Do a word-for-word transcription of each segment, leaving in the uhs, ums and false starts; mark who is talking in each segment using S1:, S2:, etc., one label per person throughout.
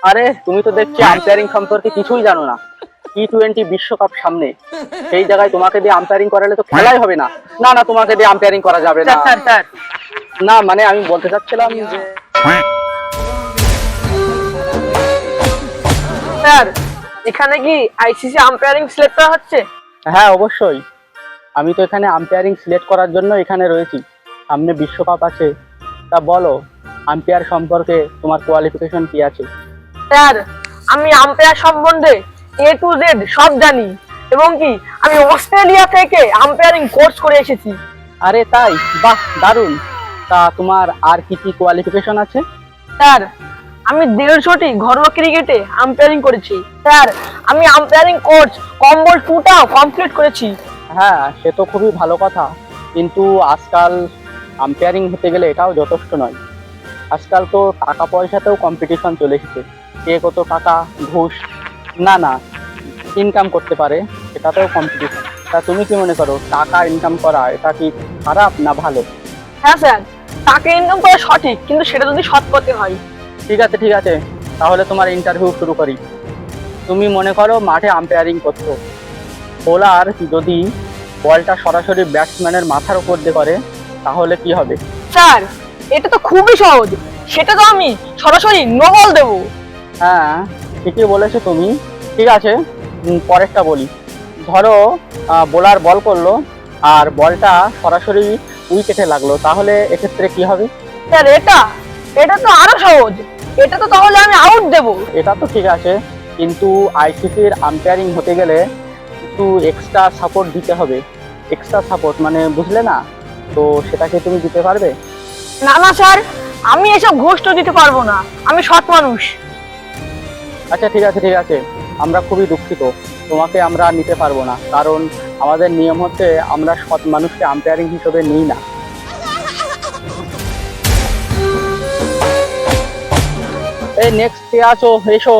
S1: আরে তুমি তো দেখছি আম্পায়ারিং সম্পর্কে কিছুই জানো না। টি টোয়েন্টি বিশ্বকাপ সামনে, সেই জায়গায় তোমাকে দিয়ে আম্পায়ারিং করালে তো খেলাই হবে না। না না, তোমাকে দিয়ে আম্পায়ারিং করা যাবে না।
S2: স্যার স্যার
S1: না মানে আমি বলতে চাচ্ছিলাম যে
S2: স্যার এখানে কি আইসিসি আম্পায়ারিং সিলেক্ট করা হচ্ছে?
S1: হ্যাঁ অবশ্যই, আমি তো এখানে আম্পায়ারিং সিলেক্ট করার জন্য এখানে রয়েছি। সামনে বিশ্বকাপ আছে, তা বলো আম্পায়ার সম্পর্কে তোমার কোয়ালিফিকেশন কি আছে?
S2: স্যার আমি আম্পায়ার সম্বন্ধে এ টু জেড সব জানি, এবং কি আমি অস্ট্রেলিয়া থেকে আম্পায়ারিং কোর্স করে এসেছি।
S1: আরে তাই? বাহ দারুণ। তা তোমার আর কি কি কোয়ালিফিকেশন আছে?
S2: স্যার আমি দেড়শোটি ঘরোয়া ক্রিকেটে আম্পায়ারিং করেছি। স্যার আমি আম্পায়ারিং কোর্স কম্বল টুটাও কমপ্লিট করেছি।
S1: হ্যাঁ সে তো খুবই ভালো কথা, কিন্তু আজকাল আম্পায়ারিং হতে গেলে এটাও যথেষ্ট নয়। আজকাল তো টাকা পয়সাতেও কম্পিটিশন চলে এসেছে, কে কত টাকা ঘুষ না না ইনকাম করতে পারে, সেটাতেও কম্পিটিশন। তা তুমি কি মনে করো, টাকা ইনকাম করা এটা কি খারাপ না ভালো?
S2: হ্যাঁ স্যার, টাকা ইনকাম করা সঠিক, কিন্তু সেটা যদি সৎ পথে হয়।
S1: ঠিক আছে ঠিক আছে, তাহলে তোমার ইন্টারভিউ শুরু করি। তুমি মনে করো মাঠে আম্পায়ারিং করছো, বোলার যদি বলটা সরাসরি ব্যাটসম্যানের মাথার উপর দিয়ে করে তাহলে কি হবে?
S2: স্যার এটা তো খুবই সহজ, সেটা তো আমি সরাসরি নো বল দেবো।
S1: হ্যাঁ ঠিকই বলেছো তুমি। ঠিক আছে, উম, পরেরটা বলি। ধরো বোলার বল করলো আর বলটা সরাসরি উইকেটে লাগলো, তাহলে এক্ষেত্রে কি হবে?
S2: স্যার এটা এটা তো আরো সহজ, এটা তো তাহলে আমি আউট দেবো।
S1: এটা তো ঠিক আছে, কিন্তু আইসিসির আম্পায়ারিং হতে গেলে একটু এক্সট্রা সাপোর্ট দিতে হবে। এক্সট্রা সাপোর্ট মানে বুঝলে না? তো সেটাকে তুমি দিতে পারবে?
S2: না না স্যার, আমি এসব ঘুষ তো দিতে পারবো না, আমি সৎ মানুষ।
S1: আচ্ছা ঠিক আছে ঠিক আছে, আমরা খুবই দুঃখিত, তোমাকে আমরা নিতে পারবো না, কারণ আমাদের নিয়ম হচ্ছে আমরা সৎ মানুষকে আম্পায়ারিং হিসেবে নিই না। এই নেক্সট কে আছো, এসো,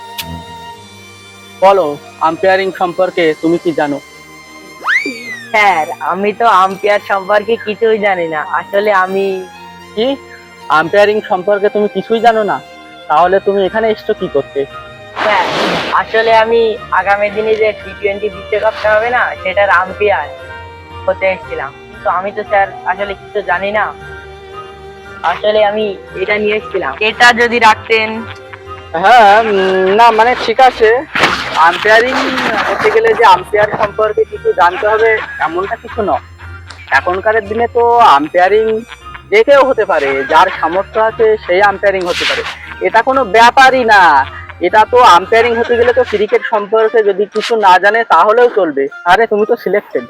S1: বলো আম্পায়ারিং সম্পর্কে তুমি কি জানো?
S3: স্যার আমি তো আম্পায়ার সম্পর্কে কিছুই জানি না, আসলে আমি
S1: কি আম্পায়ারিং সম্পর্কে তুমি কিছুই জানো না? তাহলে তুমি এখানে এসছো কি করতে?
S3: স্যার আসলে আমি আগামী দিনে যে টি টোয়েন্টি বিশ্বকাপটা হবে না, সেটার আম্পায়ার হতে এসেছিলাম, কিন্তু আমি তো স্যার আসলে কিছু জানি না। আসলে আমি এটা নিয়ে এসেছিলাম, এটা যদি রাখতেন।
S1: হ্যাঁ উম, না মানে ঠিক আছে, আম্পায়ারিং হতে গেলে যে আম্পায়ার সম্পর্কে কিছু জানতে হবে এমনটা কিছু নয়। এখনকার দিনে তো আম্পায়ারিং যে কেউ হতে পারে, যার সামর্থ্য আছে সেই আম্পায়ারিং হতে পারে, এটা কোনো ব্যাপারই না। এটা তো আম্পায়ারিং হতে গেলে তো ক্রিকেট সম্পর্কে যদি কিছু না জানে তাহলেও চলবে। আরে তুমি তো সিলেক্টেড।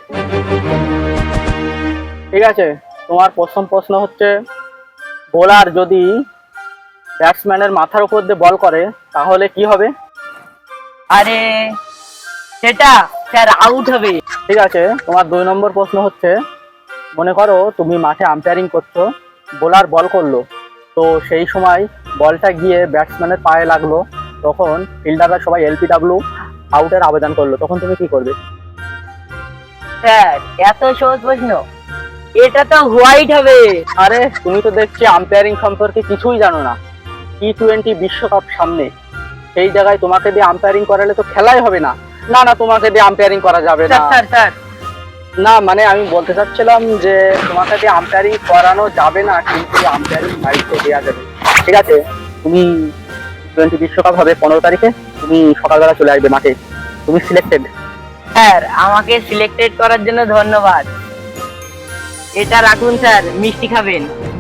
S1: ঠিক আছে, তোমার প্রথম প্রশ্ন হচ্ছে, বোলার যদি ব্যাটসম্যানের মাথার উপর দিয়ে বল করে তাহলে কি হবে?
S3: আরে সেটা স্যার আউট হবে।
S1: ঠিক আছে, তোমার দুই নম্বর প্রশ্ন হচ্ছে, মনে করো তুমি মাঠে আম্পায়ারিং করছো, বোলার বল করলো, তো সেই সময় বলটা গিয়ে ব্যাটসম্যানের পায়ে লাগলো, তখন ফিল্ডাররা সবাই এলপিডব্লিউ আউটের আবেদন করলো, তখন তুমি কি করবে?
S3: স্যার এত সহজ প্রশ্ন, এটা তো হোয়াইট হবে।
S1: আরে তুমি তো দেখছি আম্পায়ারিং সম্পর্কে কিছুই জানো না। টি টোয়েন্টি বিশ্বকাপ সামনে, সেই জায়গায় তোমাকে দিয়ে আম্পায়ারিং করালে তো খেলাই হবে না। না না, তোমাকে দিয়ে আম্পায়ারিং করা যাবে না।
S3: স্যার স্যার স্যার
S1: না মানে আমি বলতে চাচ্ছিলাম যে তোমাকে দিয়ে আম্পায়ারিং করানো যাবে না, কিন্তু আম্পায়ারিং দায়িত্ব দেওয়া যাবে। ঠিক আছে, তুমি টোয়েন্টি বিশ্বকাপ হবে পনেরো তারিখে, তুমি সকালবেলা চলে আসবে মাঠে, তুমি সিলেক্টেড।
S3: স্যার আমাকে সিলেক্টেড করার জন্য ধন্যবাদ। এটা রাখুন স্যার, মিষ্টি খাবেন।